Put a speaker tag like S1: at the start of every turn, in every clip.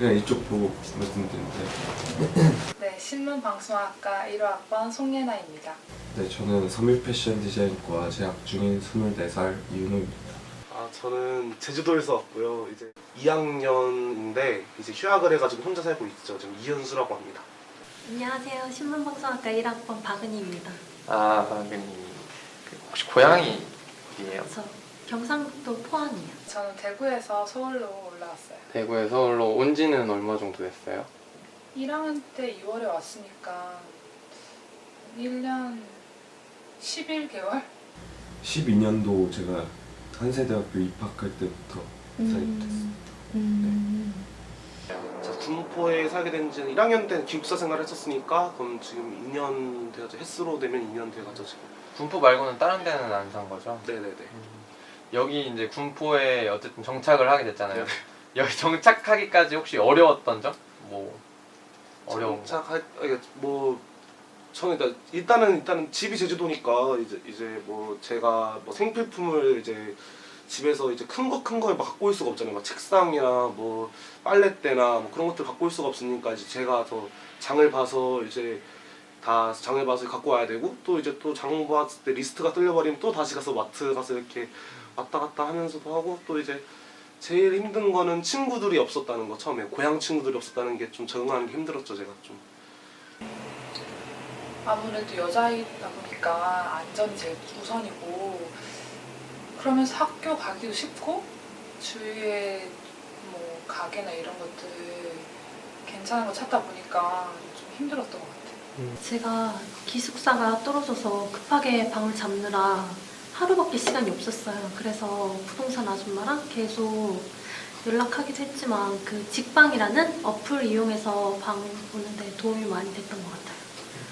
S1: 그냥 이쪽 보고 말씀드리는데
S2: 네, 신문방송학과 1호학번 송예나입니다.
S1: 네, 저는 섬유 패션 디자인과 재학 중인 24살 이윤호입니다.
S3: 저는 제주도에서 왔고요. 이제 2학년인데 이제 휴학을 해가지고 혼자 살고 있죠. 지금 이현수라고 합니다.
S4: 안녕하세요. 신문방송학과 1학번 박은희입니다.
S5: 박은희. 혹시 고향이 어디예요?
S4: 저 경상북도 포항이요.
S2: 저는 대구에서 서울로 올라왔어요.
S5: 대구에 서울로 온 지는 얼마 정도 됐어요?
S2: 1학년 때 2월에 왔으니까 1년 11개월?
S1: 12년도 제가 한세대학교 입학할 때부터 살게 됐습니다.
S3: 저 군포에 살게 된 지는 1학년 때는 기숙사 생활을 했었으니까 그럼 지금 2년 돼가지고 햇수로 되면 2년 돼가지고 지금.
S5: 군포 말고는 다른 데는 안 산 거죠?
S3: 네네네.
S5: 여기 이제 군포에 어쨌든 정착을 하게 됐잖아요.
S3: 네네.
S5: 여기 정착하기까지 혹시 어려웠던 점? 뭐 어려운 거?
S3: 정착할 뭐 저는 일단은 집이 제주도니까 이제 뭐 제가 뭐 생필품을 이제 집에서 이제 큰 거 막 갖고 올 수가 없잖아요. 막 책상이나 뭐 빨랫대나 뭐 그런 것들 갖고 올 수가 없으니까 이제 제가 더 장을 봐서 이제 다 장을 봐서 갖고 와야 되고 또 이제 또 장 봤을 때 리스트가 뚫려버리면 또 다시 가서 마트 가서 이렇게 왔다 갔다 하면서도 하고 또 이제 제일 힘든 거는 친구들이 없었다는 거. 처음에 고향 친구들이 없었다는 게 좀 적응하는 게 힘들었죠. 제가 좀.
S2: 아무래도 여자이다 보니까 안전이 제일 우선이고 그러면서 학교 가기도 쉽고 주위에 뭐 가게나 이런 것들 괜찮은 거 찾다 보니까 좀 힘들었던 것 같아요.
S4: 제가 기숙사가 떨어져서 급하게 방을 잡느라 하루밖에 시간이 없었어요. 그래서 부동산 아줌마랑 계속 연락하기도 했지만 그 직방이라는 어플 이용해서 방 보는데 도움이 많이 됐던 것 같아요.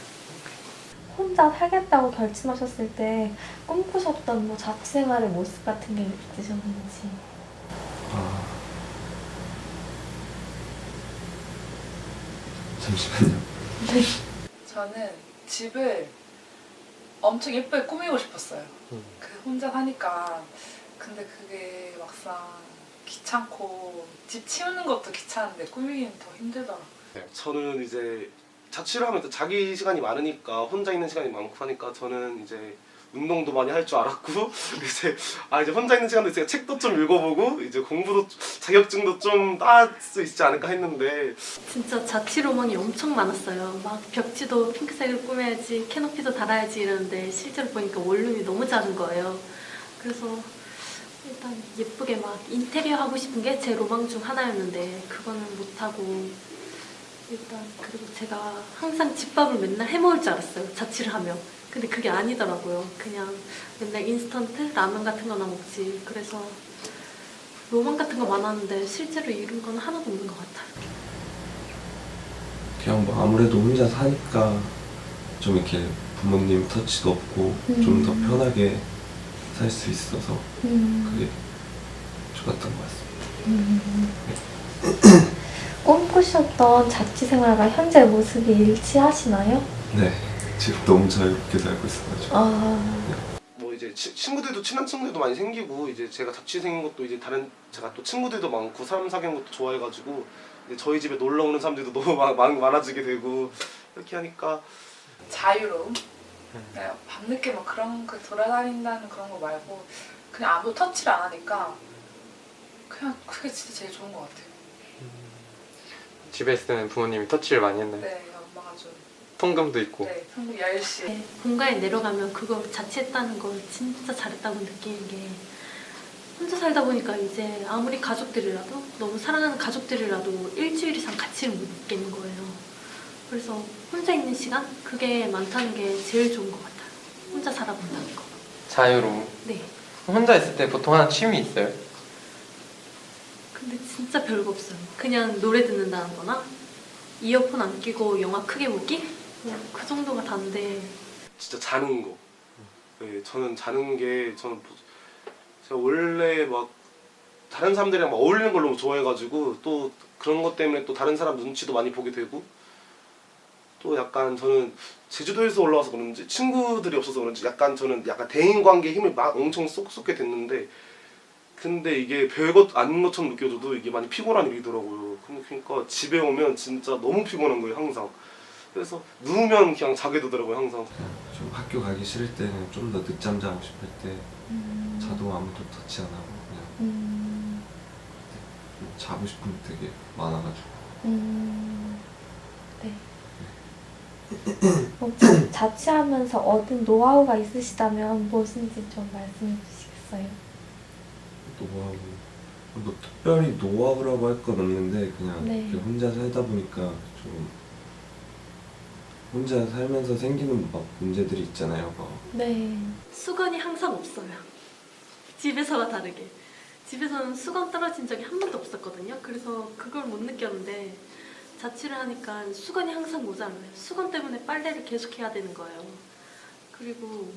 S6: 혼자 살겠다고 결심하셨을 때 꿈꾸셨던 뭐 자취생활의 모습 같은 게 있으셨는지.
S1: 잠시만요.
S2: 저는 집을 엄청 예쁘게 꾸미고 싶었어요. 그 혼자 사니까. 근데 그게 막상 귀찮고 집 치우는 것도 귀찮은데 꾸미기는 더 힘들더라고요.
S3: 저는 이제 자취를 하면 또 자기 시간이 많으니까 혼자 있는 시간이 많고 하니까 저는 이제 운동도 많이 할 줄 알았고 이제 혼자 있는 시간도 있으니까 책도 좀 읽어보고 이제 공부도 자격증도 좀 딸 수 있지 않을까 했는데
S4: 진짜 자취 로망이 엄청 많았어요. 막 벽지도 핑크색으로 꾸며야지, 캐노피도 달아야지 이러는데 실제로 보니까 원룸이 너무 작은 거예요. 그래서 일단 예쁘게 막 인테리어 하고 싶은 게 제 로망 중 하나였는데 그거는 못하고 일단 그리고 제가 항상 집밥을 맨날 해먹을 줄 알았어요. 자취를 하면. 근데 그게 아니더라고요. 그냥 맨날 인스턴트 라면 같은 거나 먹지. 그래서 로망 같은 거 많았는데 실제로 이룬 건 하나도 없는 것 같아요.
S1: 그냥 뭐 아무래도 혼자 사니까 좀 이렇게 부모님 터치도 없고 좀 더 편하게 살 수 있어서 그게 좋았던 것 같습니다.
S6: 꿈꾸셨던 자취 생활과 현재 모습이 일치하시나요?
S1: 네, 지금 너무 자유롭게 살고 있어가지고.
S3: 뭐 이제 친구들도 친한 친구들도 많이 생기고 이제 제가 자취생인 것도 이제 다른 제가 또 친구들도 많고 사람 사귀는 것도 좋아해가지고 이제 저희 집에 놀러 오는 사람들도 너무 많아지게 되고 이렇게 하니까
S2: 자유로움? 네, 밤늦게 막 그런 그 돌아다닌다는 그런 거 말고 그냥 아무도 터치를 안 하니까 그냥 그게 진짜 제일 좋은 것 같아요.
S5: 집에 있을 때는 부모님이 터치를 많이 했나요?
S2: 네, 엄마가 좀
S5: 통금도 있고.
S2: 네, 한국 10시
S4: 네, 본가에 내려가면 그걸 자취했다는 걸 진짜 잘했다고 느끼는 게 혼자 살다 보니까 이제 아무리 가족들이라도 너무 사랑하는 가족들이라도 일주일 이상 같이를 못 있겠는 거예요. 그래서 혼자 있는 시간? 그게 많다는 게 제일 좋은 것 같아요. 혼자 살아본다는 거.
S5: 자유로움.
S4: 네.
S5: 혼자 있을 때 보통 하는 취미 있어요?
S4: 근데 진짜 별거 없어요. 그냥 노래 듣는다는 거나 이어폰 안 끼고 영화 크게 보기? 그 정도가 다인데
S3: 진짜 자는 거. 네, 저는 자는 게 제가 원래 막 다른 사람들이랑 막 어울리는 걸 너무 좋아해가지고 또 그런 것 때문에 또 다른 사람 눈치도 많이 보게 되고 또 약간 저는 제주도에서 올라와서 그런지 친구들이 없어서 그런지 저는 약간 대인관계에 힘을 막 엄청 쏟게 됐는데 근데 이게 별것 아닌 것처럼 느껴져도 이게 많이 피곤한 일이더라고요. 그러니까 집에 오면 진짜 너무 피곤한 거예요 항상. 그래서 누우면 그냥 자게 되더라고요 항상.
S1: 좀 학교 가기 싫을 때는 좀 더 늦잠 자고 싶을 때 자도 아무도 터치 안 하고 그냥 자고 싶은 게 되게 많아가지고.
S6: 네. 자취하면서 얻은 노하우가 있으시다면 무엇인지 좀 말씀해 주시겠어요?
S1: 노하우 뭐 특별히 노하우라고 할 건 없는데 그냥
S6: 네.
S1: 이렇게 혼자 살다 보니까 좀 혼자 살면서 생기는 막 문제들이 있잖아요. 막
S6: 네.
S4: 수건이 항상 없어요. 집에서와 다르게. 집에서는 수건 떨어진 적이 한 번도 없었거든요. 그래서 그걸 못 느꼈는데 자취를 하니까 수건이 항상 모자라요. 수건 때문에 빨래를 계속 해야 되는 거예요. 그리고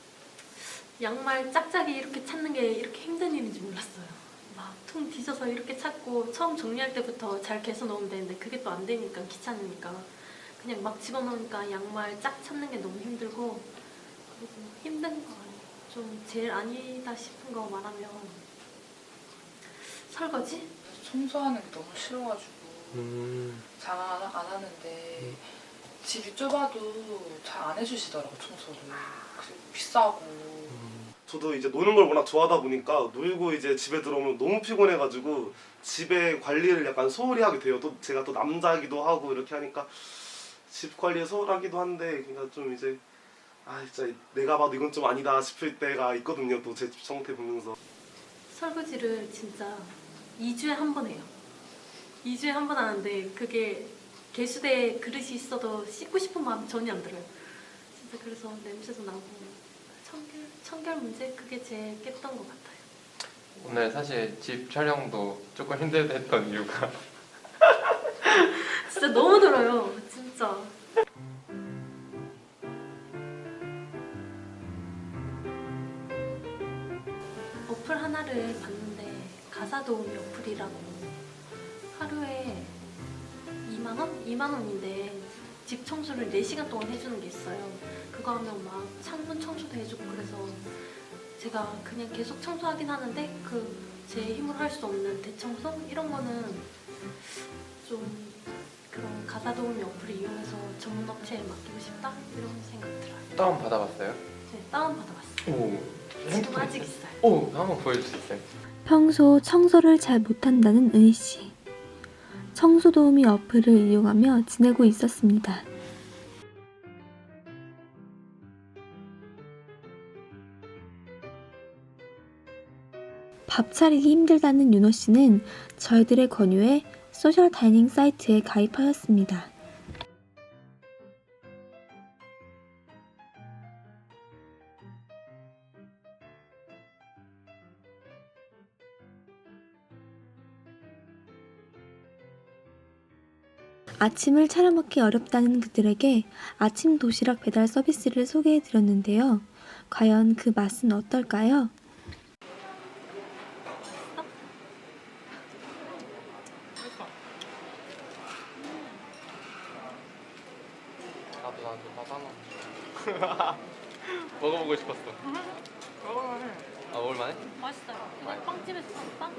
S4: 양말 짝짝이 이렇게 찾는 게 이렇게 힘든 일인지 몰랐어요. 막 통 뒤져서 이렇게 찾고 처음 정리할 때부터 잘 개서 넣으면 되는데 그게 또 안 되니까 귀찮으니까 그냥 막 집어넣으니까 양말 짝 찾는 게 너무 힘들고 그리고 힘든 거 좀 제일 아니다 싶은 거 말하면 설거지?
S2: 청소하는 게 너무 싫어가지고 잘 안 하는데 집이 좁아도 잘 안 해주시더라고 청소를. 그리고 비싸고.
S3: 저도 이제 노는 걸 워낙 좋아하다 보니까 놀고 이제 집에 들어오면 너무 피곤해가지고 집에 관리를 약간 소홀히 하게 돼요. 또 제가 또 남자이기도 하고 이렇게 하니까 집 관리에 소홀하기도 한데 그러니까 좀 이제 진짜 내가 봐도 이건 좀 아니다 싶을 때가 있거든요. 또 제 집 상태 보면서.
S4: 설거지를 진짜 2주에 한 번 해요. 2주에 한 번 하는데 그게 개수대에 그릇이 있어도 씻고 싶은 마음이 전혀 안 들어요. 진짜 그래서 냄새도 나고 청결 문제 그게 제일 깼던 것 같아요.
S5: 오늘 사실 집 촬영도 조금 힘들었던 이유가
S4: 진짜 너무 들어요. 진짜. 어플 하나를 봤는데 가사도우미 어플이라고 하루에 2만 원? 2만 원인데 집 청소를 4시간 동안 해주는 게 있어요. 그거 하면 막 창문 청소도 해주고 그래서 제가 그냥 계속 청소하긴 하는데 제 힘으로 할 수 없는 대청소 이런 거는 좀 그런 가사도우미 어플을 이용해서 전문 업체에 맡기고 싶다 이런 생각 들어요.
S5: 다운 받아봤어요?
S4: 네, 다운 받아봤어요.
S5: 오,
S4: 지금 아직 있어요.
S5: 오, 한번 보여줄 수 있어요?
S6: 평소 청소를 잘 못한다는 은희 씨. 청소 도우미 어플을 이용하며 지내고 있었습니다. 밥 차리기 힘들다는 윤호 씨는 저희들의 권유에 소셜 다이닝 사이트에 가입하였습니다. 아침을 차려 먹기 어렵다는 그들에게 아침 도시락 배달 서비스를 소개해 드렸는데요. 과연 그 맛은 어떨까요?
S5: 나도 하나 먹어보고 싶었어. 먹을만해?
S4: 맛있어요. 이거 빵집에서 산 빵?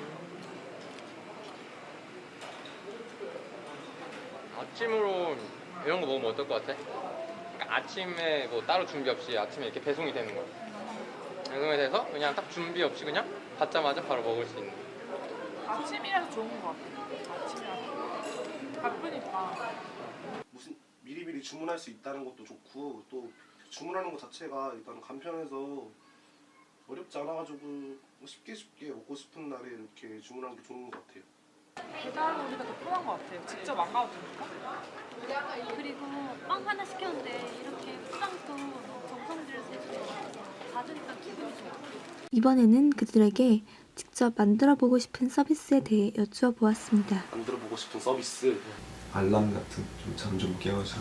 S5: 아침으로 이런 거 먹으면 어떨 것 같아? 그러니까 아침에 뭐 따로 준비 없이 아침에 이렇게 배송이 되는 거야. 배송이 돼서 그냥 딱 준비 없이 그냥 받자마자 바로 먹을 수 있는.
S2: 아침이라서 좋은 것 같아요. 아침이라서. 바쁘니까.
S3: 무슨 미리미리 주문할 수 있다는 것도 좋고 또 주문하는 것 자체가 일단 간편해서 어렵지 않아가지고 쉽게 먹고 싶은 날에 이렇게 주문하는 게 좋은 것 같아요.
S2: 배달 오니까 더 편한 것 같아요. 직접 안 가도 되니까.
S4: 그리고 빵 하나 시켰는데 이렇게 포장도 정성 들여서 해주세요. 받으니까 기분이 좋아요.
S6: 이번에는 그들에게 직접 만들어 보고 싶은 서비스에 대해 여쭈어 보았습니다.
S3: 만들어보고 싶은 서비스.
S1: 알람 같은 좀 잠 좀 깨워줘.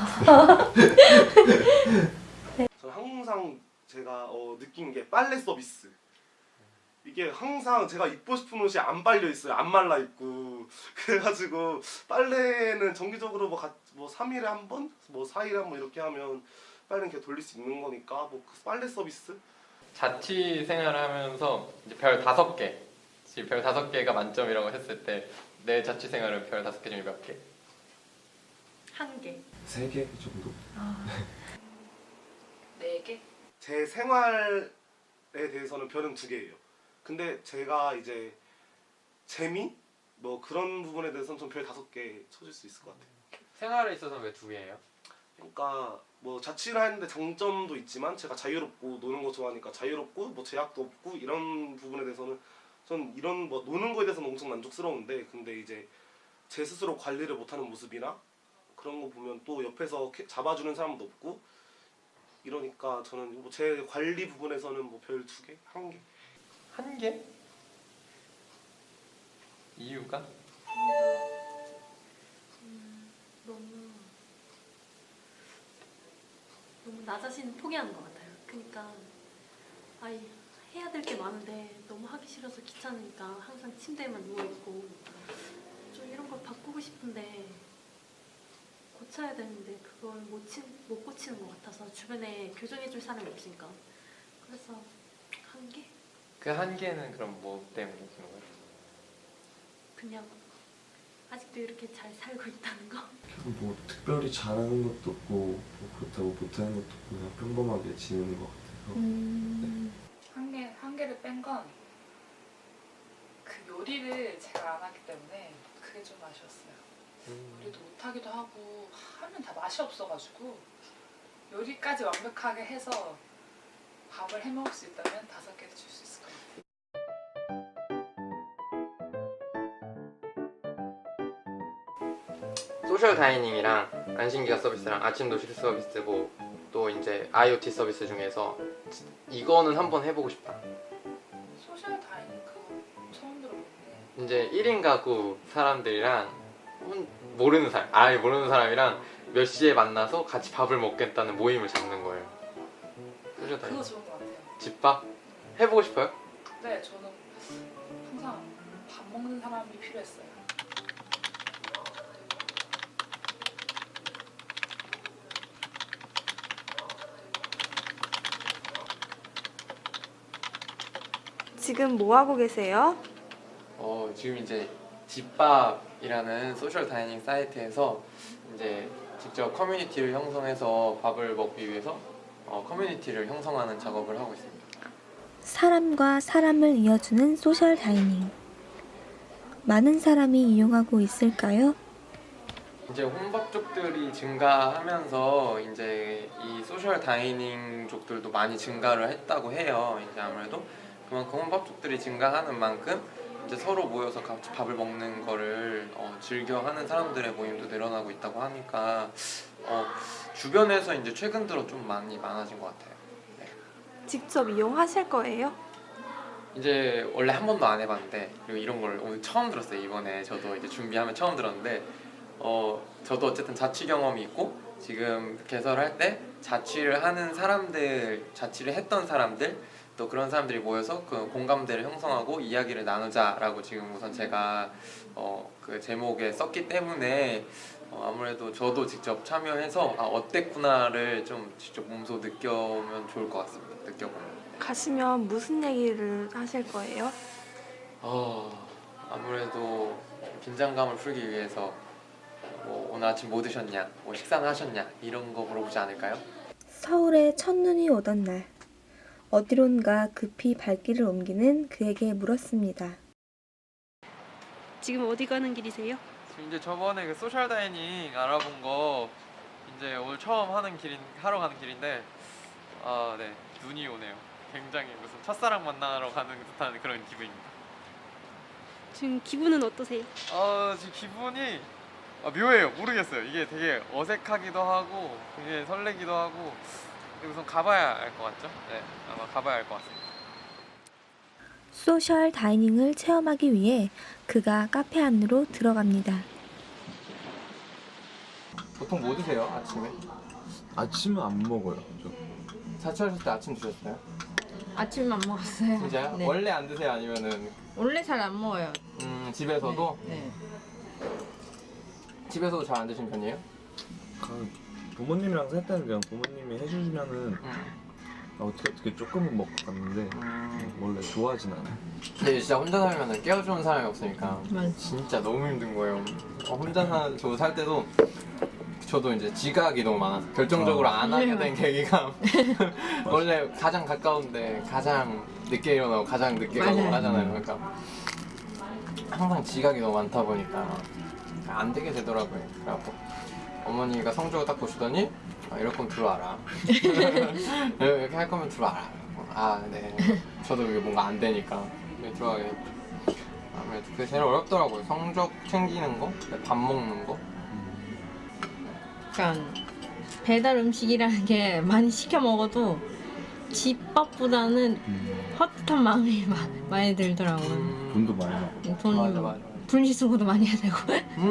S3: 저는 항상 제가 느낀 게 빨래 서비스. 이게 항상 제가 입고 싶은 옷이 안 빨려 있어요. 안 말라 있고. 그래가지고 빨래는 정기적으로 뭐 3일에 한 번, 뭐 4일에 한 번 이렇게 하면 빨래는 이렇게 돌릴 수 있는 거니까 뭐 그 빨래 서비스.
S5: 자취 생활을 하면서 이제 별 5개, 별 5개가 만점이라고 했을 때 내 자취 생활은 별 5개 중에 몇 개?
S4: 1개.
S1: 3개 정도?
S2: 4개?
S3: 제 생활에 대해서는 별은 2개예요. 근데 제가 이제 재미? 뭐 그런 부분에 대해서는 좀 별 5개 쳐줄 수 있을 것 같아요.
S5: 생활에 있어서는 왜 2개예요?
S3: 그러니까 뭐 자취를 하는데 장점도 있지만 제가 자유롭고 노는 거 좋아하니까 자유롭고 뭐 제약도 없고 이런 부분에 대해서는 전 이런 뭐 노는 거에 대해서는 엄청 만족스러운데, 근데 이제 제 스스로 관리를 못하는 모습이나 그런 거 보면 또 옆에서 잡아주는 사람도 없고 이러니까 저는 뭐 제 관리 부분에서는 뭐 별 2개? 1개?
S5: 1개? 이유가?
S4: 너무 나 자신을 포기하는 것 같아요. 그러니까 아이 해야 될 게 많은데 너무 하기 싫어서 귀찮으니까 항상 침대에만 누워 있고, 좀 이런 걸 바꾸고 싶은데 고쳐야 되는데 그걸 못 고치는 것 같아서 주변에 교정해줄 사람이 없으니까. 그래서 1개?
S5: 그 1개는 그럼 뭐 때문에 그런 거예요?
S4: 그냥 아직도 이렇게 잘 살고 있다는 거.
S1: 뭐 특별히 잘하는 것도 없고 뭐 그렇다고 못하는 것도 없고 그냥 평범하게 지내는 것 같아서.
S2: 한 개를 뺀 건 그 요리를 제가 안 하기 때문에 그게 좀 아쉬웠어요. 요리도 못하기도 하고 하면 다 맛이 없어가지고 요리까지 완벽하게 해서 밥을 해 먹을 수 있다면 5개를 줄 수 있을 것 같아요.
S5: 소셜 다이닝이랑 안심기가 서비스랑 아침 도시락 서비스 뭐 또 이제 IoT 서비스 중에서 이거는 한번 해보고 싶다.
S2: 소셜 다이닝 그거 처음 들어보는데.
S5: 이제 1인 가구 사람들이랑 모르는 사람, 아예 모르는 사람이랑 몇 시에 만나서 같이 밥을 먹겠다는 모임을 잡는 거예요. 소셜 다이닝.
S2: 그거 좋은 것 같아요.
S5: 집밥? 해보고 싶어요?
S2: 네, 저는 항상 밥 먹는 사람이 필요했어요.
S7: 지금 뭐 하고 계세요?
S5: 지금 이제 집밥이라는 소셜 다이닝 사이트에서 이제 직접 커뮤니티를 형성해서 밥을 먹기 위해서 커뮤니티를 형성하는 작업을 하고 있습니다.
S6: 사람과 사람을 이어주는 소셜 다이닝. 많은 사람이 이용하고 있을까요?
S5: 이제 혼밥족들이 증가하면서 이제 이 소셜 다이닝족들도 많이 증가를 했다고 해요. 이제 아무래도 그만큼 혼밥족들이 증가하는 만큼 이제 서로 모여서 같이 밥을 먹는 거를 즐겨하는 사람들의 모임도 늘어나고 있다고 하니까 주변에서 이제 최근 들어 좀 많이 많아진 것 같아요. 네.
S7: 직접 이용하실 거예요?
S5: 이제 원래 한 번도 안 해봤는데, 그리고 이런 걸 오늘 처음 들었어요. 이번에 저도 이제 준비하면 처음 들었는데 저도 어쨌든 자취 경험이 있고 지금 개설할 때 자취를 하는 사람들, 자취를 했던 사람들 또 그런 사람들이 모여서 그 공감대를 형성하고 이야기를 나누자라고 지금 우선 제가 그 제목에 썼기 때문에 아무래도 저도 직접 참여해서 어땠구나를 좀 직접 몸소 느껴보면 좋을 것 같습니다. 느껴보면.
S7: 가시면 무슨 얘기를 하실 거예요?
S5: 아무래도 긴장감을 풀기 위해서 뭐 오늘 아침 뭐 드셨냐, 뭐 식사는 하셨냐 이런 거 물어보지 않을까요?
S6: 서울에 첫눈이 오던 날, 어디론가 급히 발길을 옮기는 그에게 물었습니다.
S8: 지금 어디 가는 길이세요?
S5: 지금 이제 저번에 그 소셜 다이닝 알아본 거 이제 오늘 처음 하러 가는 길인데 네, 눈이 오네요. 굉장히 무슨 첫사랑 만나러 가는 듯한 그런 기분입니다.
S8: 지금 기분은 어떠세요?
S5: 지금 기분이 묘해요. 모르겠어요. 이게 되게 어색하기도 하고 굉장히 설레기도 하고, 근데 우선 가봐야 알 것 같죠? 네, 아마 가봐야 알 것 같습니다.
S6: 소셜 다이닝을 체험하기 위해 그가 카페 안으로 들어갑니다.
S5: 보통 뭐 드세요? 아침에?
S1: 아침은 안 먹어요. 저.
S5: 자취하실 때 아침 드셨어요?
S9: 아침 안 먹었어요.
S5: 진짜요?
S9: 네.
S5: 원래 안 드세요? 아니면은
S9: 원래 잘 안 먹어요.
S5: 집에서도?
S9: 네.
S5: 집에서도 잘 안 드시는 편이에요?
S1: 부모님이랑 살 때는 그냥 부모님이 해주시면은 어떻게 조금은 먹고 갔는데 원래 좋아하진 않아요.
S5: 근데 진짜 혼자 살면 깨워주는 사람이 없으니까 진짜 너무 힘든 거예요. 혼자 살 때도 저도 이제 지각이 너무 많아서 결정적으로 안 하게 된 계기가 원래 가장 가까운데 가장 늦게 일어나고 가장 늦게 가고 하잖아요. 그러니까 항상 지각이 너무 많다 보니까 안 되게 되더라고요. 그래갖고 어머니가 성적을 딱 보시더니 이럴 거면 들어와라. 이렇게 할 거면 들어와라. 네. 저도 이게 뭔가 안 되니까 들어가게 됐죠. 아무래도 그게 제일 어렵더라고요. 성적 챙기는 거, 밥 먹는 거.
S9: 그러니까 배달 음식이라는 게 많이 시켜 먹어도 집밥보다는 헛헛한 마음이 많이 들더라고요.
S1: 돈도 많이 나고.
S9: 돈
S5: 맞아.
S9: 분리수거도 많이 해야 되고.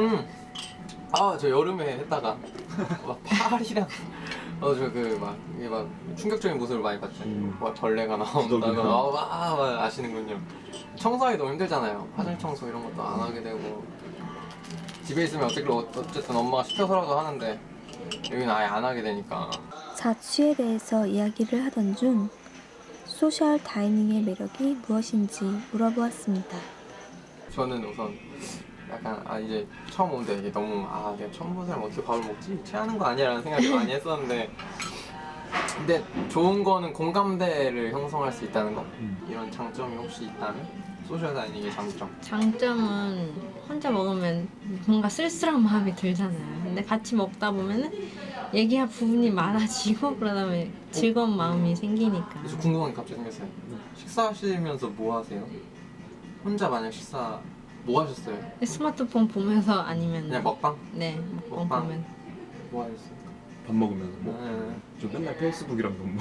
S5: 저 여름에 했다가 막 파리랑 이게 막 충격적인 모습을 많이 봤죠. 막 벌레가 나온다거나 막 아시는군요. 청소하기 너무 힘들잖아요. 화장 청소 이런 것도 안 하게 되고 집에 있으면 어쨌든 엄마가 시켜서라도 하는데 여기는 아예 안 하게 되니까.
S6: 자취에 대해서 이야기를 하던 중 소셜 다이닝의 매력이 무엇인지 물어보았습니다.
S5: 저는 우선 약간 이제 처음 오는데 이게 너무 내가 처음 본 사람 어떻게 밥을 먹지? 체하는 거 아니야? 라는 생각을 많이 했었는데 근데 좋은 거는 공감대를 형성할 수 있다는 거 이런 장점이 혹시 있다면 소셜 다이닝의 장점.
S9: 장점은 혼자 먹으면 뭔가 쓸쓸한 마음이 들잖아요. 근데 같이 먹다 보면은 얘기할 부분이 많아지고 그러다 보면 즐거운 마음이 생기니까.
S5: 그래서 궁금한 게 갑자기 생겼어요. 식사하시면서 뭐 하세요? 혼자 만약 식사 뭐 하셨어요?
S9: 스마트폰 보면서 아니면
S5: 그냥 먹방?
S9: 네, 먹방
S5: 먹방.
S9: 보면.
S5: 뭐 하셨어요?
S1: 밥 먹으면서 뭐.
S5: 네.
S1: 저 맨날 페이스북이랑 너무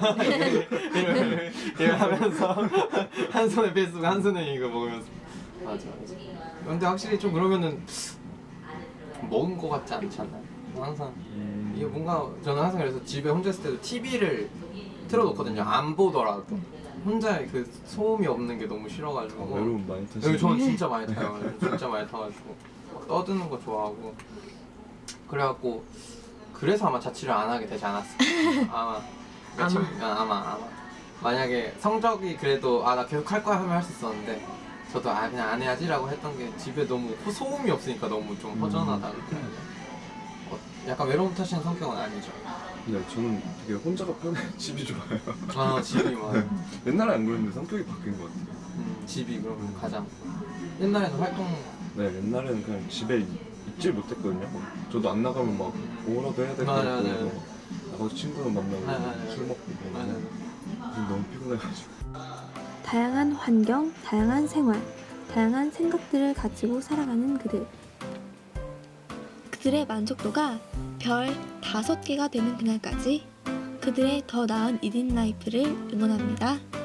S5: 이걸 하면서 한 손에 페이스북 한 손에 이거 먹으면서 맞아. 근데 확실히 좀 그러면은 먹은 거 같지 않지 않나요? 항상 이게 뭔가 저는 항상 그래서 집에 혼자 있을 때도 TV를 틀어놓거든요. 안 보더라도 혼자 그 소음이 없는 게 너무 싫어가지고
S1: 외로움 많이 타시는.
S5: 저는 진짜 많이 타요. 진짜 많이 타가지고 막 떠드는 거 좋아하고 그래갖고 그래서 아마 자취를 안 하게 되지 않았을까. 아마 만약에 성적이 그래도 나 계속 할 거야 하면 할 수 있었는데 저도 그냥 안 해야지라고 했던 게 집에 너무 소음이 없으니까 너무 좀 허전하다 그래요. 약간 외로움 타시는 성격은 아니죠.
S1: 네, 저는 되게 혼자가 편해. 집이 좋아요.
S5: 집이 많아요.
S1: 옛날에 안 그랬는데 성격이 바뀐 것 같아요.
S5: 집이 그러면 가장 옛날에는 활동
S1: 네, 옛날에는 그냥 집에 있질 못했거든요. 저도 안 나가면 막 뭐라도 해야 될 것 같고 그래서 나가서 친구는 만나고 술 먹고 그러고 지금 너무 피곤해가지고.
S6: 다양한 환경, 다양한 생활, 다양한 생각들을 가지고 살아가는 그들. 그들의 만족도가 별 5개가 되는 그날까지 그들의 더 나은 1인 라이프를 응원합니다.